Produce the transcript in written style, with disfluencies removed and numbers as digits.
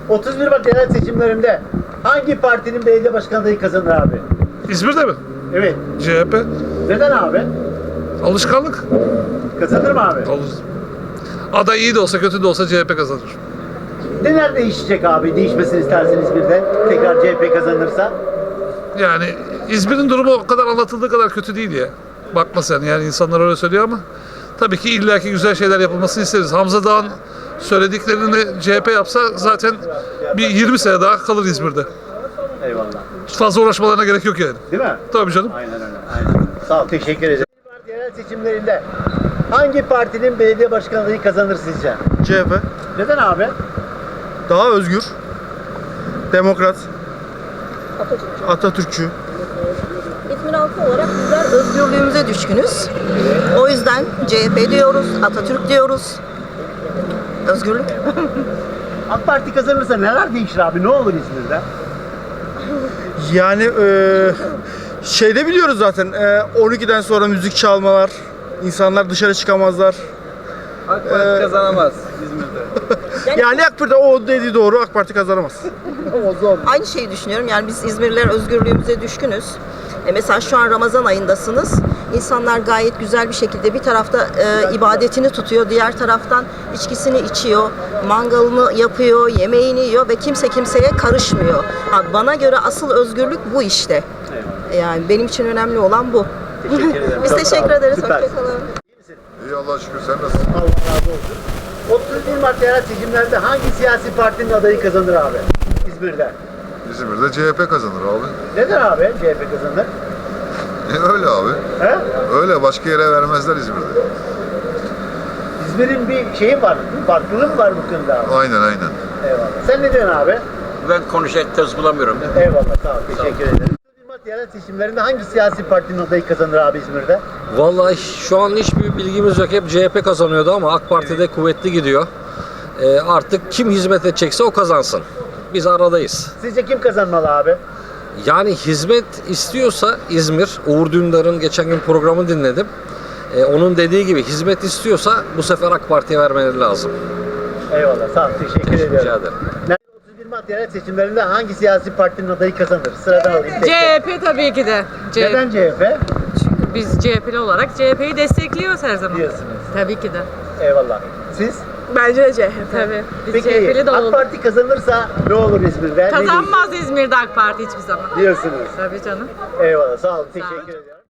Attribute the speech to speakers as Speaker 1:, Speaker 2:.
Speaker 1: 31 Mart yerel seçimlerinde hangi partinin belediye başkan adayı kazanır abi?
Speaker 2: İzmir'de mi?
Speaker 1: Evet.
Speaker 2: CHP.
Speaker 1: Neden abi?
Speaker 2: Alışkanlık.
Speaker 1: Kazanır mı abi?
Speaker 2: Olur. Aday iyi de olsa kötü de olsa CHP kazanır.
Speaker 1: Neler değişecek abi? Değişmesini isterseniz İzmir'de. Tekrar CHP kazanırsa.
Speaker 2: Yani İzmir'in durumu o kadar anlatıldığı kadar kötü değil ya. Bakma sen, yani insanlar öyle söylüyor ama tabii ki illaki güzel şeyler yapılmasını isteriz. Hamza Dağ'ın söylediklerini CHP yapsa zaten bir 20 sene daha kalır İzmir'de.
Speaker 1: Eyvallah.
Speaker 2: Fazla uğraşmalarına gerek yok yani.
Speaker 1: Değil mi?
Speaker 2: Tabii canım.
Speaker 1: Aynen öyle. Aynen. Sağ ol. Teşekkür ederim. Yerel seçimlerinde hangi partinin belediye başkan adayı kazanır sizce?
Speaker 3: CHP.
Speaker 1: Neden abi?
Speaker 3: Daha özgür. Demokrat. Atatürkçü.
Speaker 4: İzmir halkı olarak bizler özgürlüğümüze düşkünüz. O yüzden CHP diyoruz, Atatürk diyoruz. Özgürlük.
Speaker 1: AK Parti kazanırsa neler değişir abi? Ne olur İzmir'de?
Speaker 3: Yani şeyde biliyoruz zaten 12'den sonra müzik çalmalar, insanlar dışarı çıkamazlar.
Speaker 5: AK Parti kazanamaz İzmir'de.
Speaker 3: Yani AK Parti o dediği doğru, AK Parti kazanamaz.
Speaker 4: Aynı şeyi düşünüyorum. Yani biz İzmirliler özgürlüğümüze düşkünüz. Mesela şu an Ramazan ayındasınız. İnsanlar gayet güzel bir şekilde bir tarafta ibadetini tutuyor, diğer taraftan içkisini içiyor, mangalını yapıyor, yemeğini yiyor ve kimse kimseye karışmıyor. Bana göre asıl özgürlük bu işte. Yani benim için önemli olan bu.
Speaker 1: Teşekkür ederim.
Speaker 4: Biz
Speaker 1: Çok
Speaker 4: teşekkür
Speaker 1: sağ ol.
Speaker 4: ederiz.
Speaker 1: Süper.
Speaker 4: Hoşçakalın.
Speaker 6: İyi Allah'a şükür, sen nasılsın?
Speaker 1: Allah razı olsun. 31 Mart yerel seçimlerde hangi siyasi partinin adayı kazanır abi? İzmir'de.
Speaker 6: İzmir'de CHP kazanır abi.
Speaker 1: Neden abi CHP kazanır?
Speaker 6: Öyle abi.
Speaker 1: He?
Speaker 6: Öyle, başka yere vermezler İzmir'de.
Speaker 1: İzmir'in bir şeyi var, bir farklılığı mı var bu konuda abi?
Speaker 6: Aynen aynen.
Speaker 1: Eyvallah. Sen ne diyorsun abi?
Speaker 5: Ben konuşacak söz bulamıyorum.
Speaker 1: Eyvallah, sağ ol, teşekkür ederim. 31 Mart yerel seçimlerinde hangi siyasi partinin adayı kazanır abi İzmir'de?
Speaker 7: Vallahi şu an hiçbir bilgimiz yok. Hep CHP kazanıyordu ama AK Parti'de kuvvetli gidiyor. Artık kim hizmet edecekse o kazansın. Biz aradayız.
Speaker 1: Sizce kim kazanmalı abi?
Speaker 7: Yani hizmet istiyorsa İzmir, Uğur Dündar'ın geçen gün programı dinledim. Onun dediği gibi hizmet istiyorsa bu sefer AK Parti'ye vermeleri lazım.
Speaker 1: Eyvallah, sağ ol, teşekkür ediyorum.
Speaker 7: Rica ederim.
Speaker 1: 31 Mart yerel seçimlerinde hangi siyasi partinin adayı kazanır? Sıradan alayım. tek tek.
Speaker 8: CHP tabii ki de.
Speaker 1: Neden CHP?
Speaker 8: Çünkü biz CHP'li olarak CHP'yi destekliyoruz her zaman.
Speaker 1: Diyorsunuz.
Speaker 8: Tabii ki de.
Speaker 1: Eyvallah. Siz?
Speaker 8: Bence de CHP. Tabii. Biz
Speaker 1: Peki
Speaker 8: CHP'li de
Speaker 1: AK
Speaker 8: olduk.
Speaker 1: Parti kazanırsa ne olur İzmir'de? Ne
Speaker 8: Kazanmaz İzmir'de AK Parti hiçbir zaman.
Speaker 1: diyorsunuz?
Speaker 8: Tabii canım.
Speaker 1: Eyvallah, sağ olun, teşekkür ederim.